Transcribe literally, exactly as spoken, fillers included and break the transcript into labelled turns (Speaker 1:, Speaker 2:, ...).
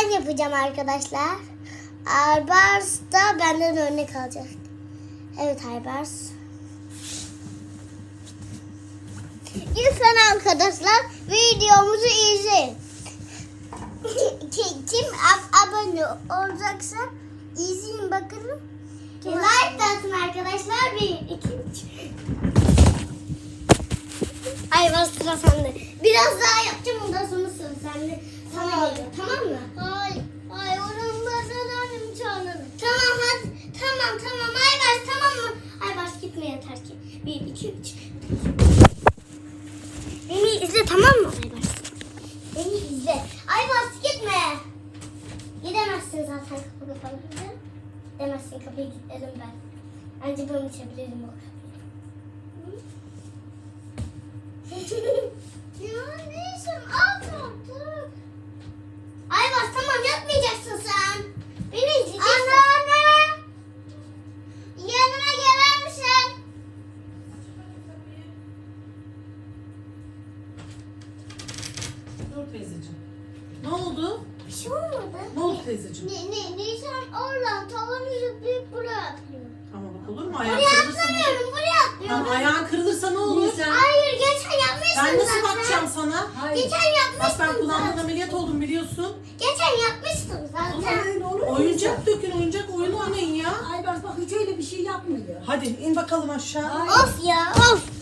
Speaker 1: ben yapacağım arkadaşlar. Aybars da benden örnek alacak. Evet Aybars. Lütfen arkadaşlar videomuzu izleyin. Kim ab- abone olacaksa izleyin bakalım. Like de atın arkadaşlar. Bir, iki, üç. Aybars sıra sende. Biraz daha yapacağım ondan sonra sıra sende. Sana geliyor tamam mı? Hayır. Hayır onun başlarını çağıralım. Tamam hadi. Tamam tamam Aybars tamam mı? Aybars gitme yeter ki. Bir, iki, üç. Beni izle tamam mı Aybars? Beni izle. Aybars gitme. Gidemezsin zaten kapı kapalı. Gidemezsin kapıyı kilitledim ben. Bence ben içebilirim o kapıyı. Ya neyse al dur. Aybars tamam yapmayacaksın sen. Beni izleyeceksin. Anneanne. Yanıma gelir misin?
Speaker 2: Dur teyzeciğim. Ne oldu?
Speaker 1: Bir şey olmadı.
Speaker 2: Ne oldu teyzeciğim?
Speaker 1: Ne, ne, Nisan oradan tavanı zıplayıp buraya atlıyor.
Speaker 2: Ama bak olur mu? Ayağın
Speaker 1: Buraya
Speaker 2: kırılırsa ne olur?
Speaker 1: atlamıyorum, buraya atlıyorum.
Speaker 2: Tamam, ayağın kırılırsa ne olur?
Speaker 1: Hayır, geçen yapmıştın
Speaker 2: Ben nasıl
Speaker 1: zaten.
Speaker 2: bakacağım sana?
Speaker 1: Geçen
Speaker 2: Bak
Speaker 1: yapmıştın
Speaker 2: ben kulağımdan
Speaker 1: zaten.
Speaker 2: ameliyat oldum biliyorsun.
Speaker 1: Geçen yapmıştın zaten.
Speaker 2: Oyuncak dökün, oyuncak oyun oynayın ya.
Speaker 3: Aybars bak hiç öyle bir şey yapmıyor.
Speaker 2: Hadi in bakalım aşağı.
Speaker 3: Hayır.
Speaker 1: Of ya, of.